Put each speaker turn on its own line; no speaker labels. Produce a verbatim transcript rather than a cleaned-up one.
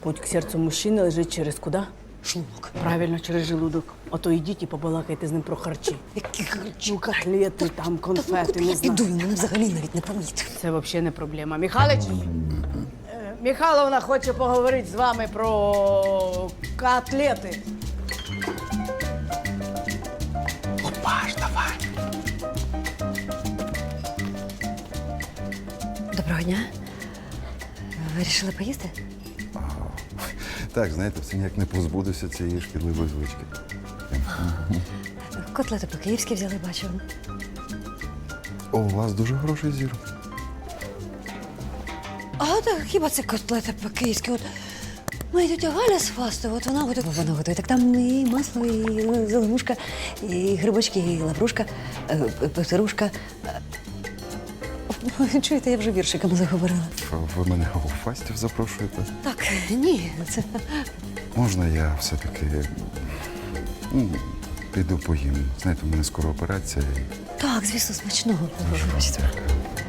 Путь к серцю мужчини лежить через куди?
Шлунок.
Правильно, через желудок. Ото йдіть і побалакайте з ним про харчі.
Які харчі?
Ну, котлети, там, конфети, не
Я
знаю.
піду, він взагалі навіть не помітив.
Це взагалі не проблема. Михайлович, е, Михайловна хоче поговорити з вами про котлети.
Опаш, давай. Доброго дня. Вирішили поїсти?
Так, знаєте, все ніяк не позбудуся цієї шкідливої звички.
Котлети по-київськи взяли, бачу.
О, у вас дуже хороший зір.
А так хіба це котлети по-київськи? От моя тетя Галя з Фасту, от вона готує, вона готує. Так там і масло, і зеленушка, і грибочки, і лаврушка, е, петрушка. Е, Чуєте, я вже віршиками заговорила.
Ви мене у фастів запрошуєте?
Так, ні, це
Можна я все-таки ну, піду поїм? Знаєте, у мене скоро операція. і-
так, звісно, смачного.
Дуже вам дякую.